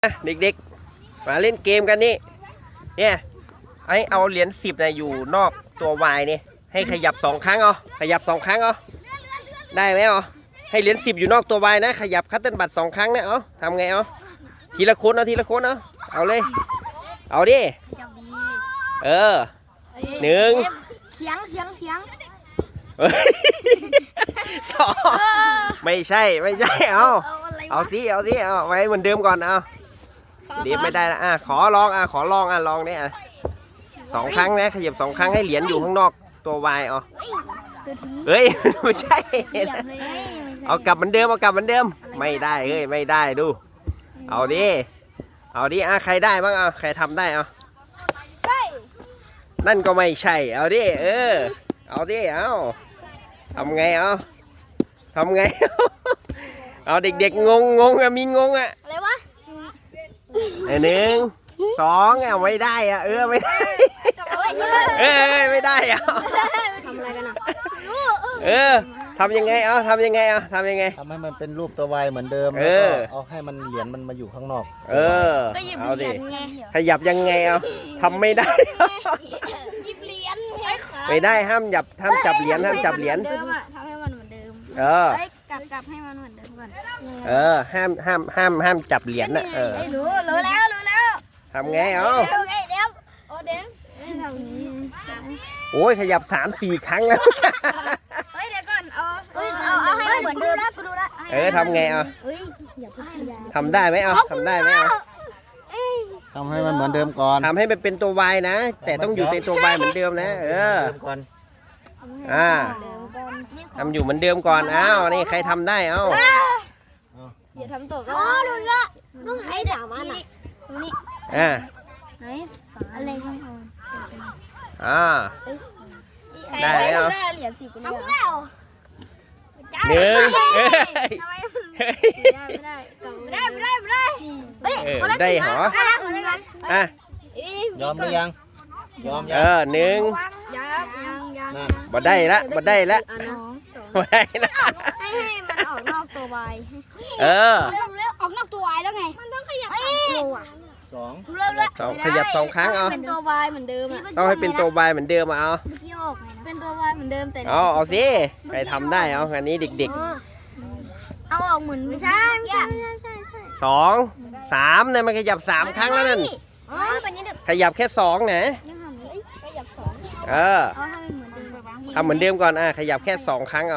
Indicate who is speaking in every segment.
Speaker 1: เด็กๆมาเล่นเกมกันนี่เนี่ยให้เอาเหรียญ10นะอยู่นอกตัววายนี่ให้ขยับ2 ครั้งขยับ2 ครั้งได้ไหมให้เหรียญ10อยู่นอกตัววายนะขยับคัตเติ้ลบัตร2 ครั้งนะทำไงทีละคนทีละคนเอาเลยเอาดิ1
Speaker 2: เสียง
Speaker 1: 2ไม่ใช่เอาสิไว้เหมือนเดิมก่อนเดี๋ยวไม่ได้ละขอลองลองเนี่ย2 ครั้งนะขยับ2 ครั้งให้เหรียญอยู่ข้างนอกตัววายเฮ้ยไม่ใช่เอากลับเหมือนเดิมไม่ได้ไม่ได้ดูเอาดิใครได้บ้างใครทำได้นั่นก็ไม่ใช่เอาดิเอาดิทำไงทำไงเอาเด็กๆงงมีงง
Speaker 2: อะไรวะ
Speaker 1: 1 2ไม่ได้ไม่ได้ไม่ได้
Speaker 2: ทำอะไรกัน
Speaker 1: ทำยังไงทำยังไง
Speaker 3: ทำให้มันเป็นรูปตัววายเหมือนเดิมแล้วก็เอาให้มันเหรียญมันมาอยู่ข้างนอก
Speaker 1: เอาดิขยับยังไงทำไม่ได้
Speaker 2: หยิบเหรียญ
Speaker 1: ไม่ได้ห้ามจับเหรียญ
Speaker 2: ทำให้มันเหมือนเดิมกลับให้มันเหมือนเดิมก่อน
Speaker 1: ห้ามจับเหรียญนะ
Speaker 2: รู้แล้ว
Speaker 1: ทำไง
Speaker 2: เดี๋ยวทำนี้
Speaker 1: โอ้ยขยับ3-4 ครั้งแล้ว
Speaker 2: เดี๋ยวก่อนเอาให้เหมือนเดิมนะกูดูละ
Speaker 1: ทำไงทำได้ไหมทำได้ไหม
Speaker 3: ทำให้มันเหมือนเดิมก่อน
Speaker 1: ทำให้มันเป็นตัววายนะแต่ต้องอยู่ในตัววายเหมือนเดิมนะทำอยู่เหมือนเดิมก่อนนี่ใครทำได้
Speaker 2: อย่าทำตกดูละต้องให้ด่ามันนี่ไหนอะไรกัน
Speaker 1: ได้แล้ว
Speaker 2: เหรียญ10ไปเลย
Speaker 1: 1ได้เหร
Speaker 3: อยอมหรือยัง
Speaker 1: 1บ่ได้ละ
Speaker 2: ให้มันออกนอกตัววายออกนอกตัววายแล้วไงมันต้องขยับ
Speaker 1: 2ขยับ2 ครั้ง
Speaker 2: เป็นตัววายเหมือนเดิม
Speaker 1: ต้องให้เป็นตัววายเหมือนเดิม
Speaker 2: เป็นตัววายเหมือนเดิมแต่
Speaker 1: เอาสิใครทำได้งานนี้เด็ก
Speaker 2: ๆเอาออกเหมือนไม่ใช่
Speaker 1: 2 3เนี่ยมันขยับ3 ครั้งแล้วนั่นขยับแค่2นะทำเหมือนเดิมก่อนขยับแค่2 ครั้ง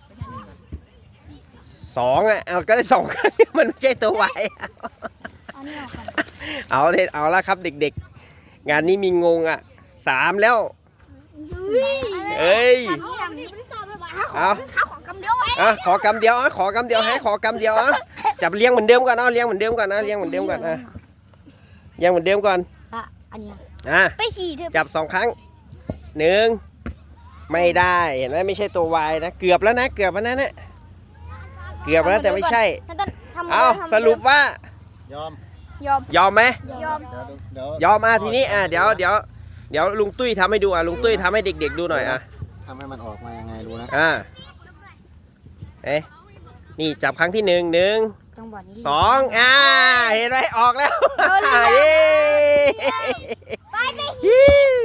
Speaker 1: 2เอาก็ได้2 ครั้งมันไม่ใช่ตัววายเอาละครับเด็กๆงานนี้มีงง3แล้วขอกำเดียวให้ขอกำเดียวจับเลี้ยงเหมือนเดิมก่อนเลี้ยงเหมือนเดิมก่อน
Speaker 2: ไปขี่
Speaker 1: จับ2 ครั้ง1ไม่ได้เห็นไหมไม่ใช่ตัววายนะเกือบแล้วนะเกือบแล้วแต่ไม่ใช่สรุปว่ายอมไหมยอมทีนี้เดี๋ยวลุงตุ้ยทำให้ดูลุงตุ้ยทำให้เด็กๆดูหน่อย
Speaker 3: ทำให้มันออกมายังไงรู้นะ
Speaker 1: นี่จับครั้งที่1 2เห็นไหมออกแล้ว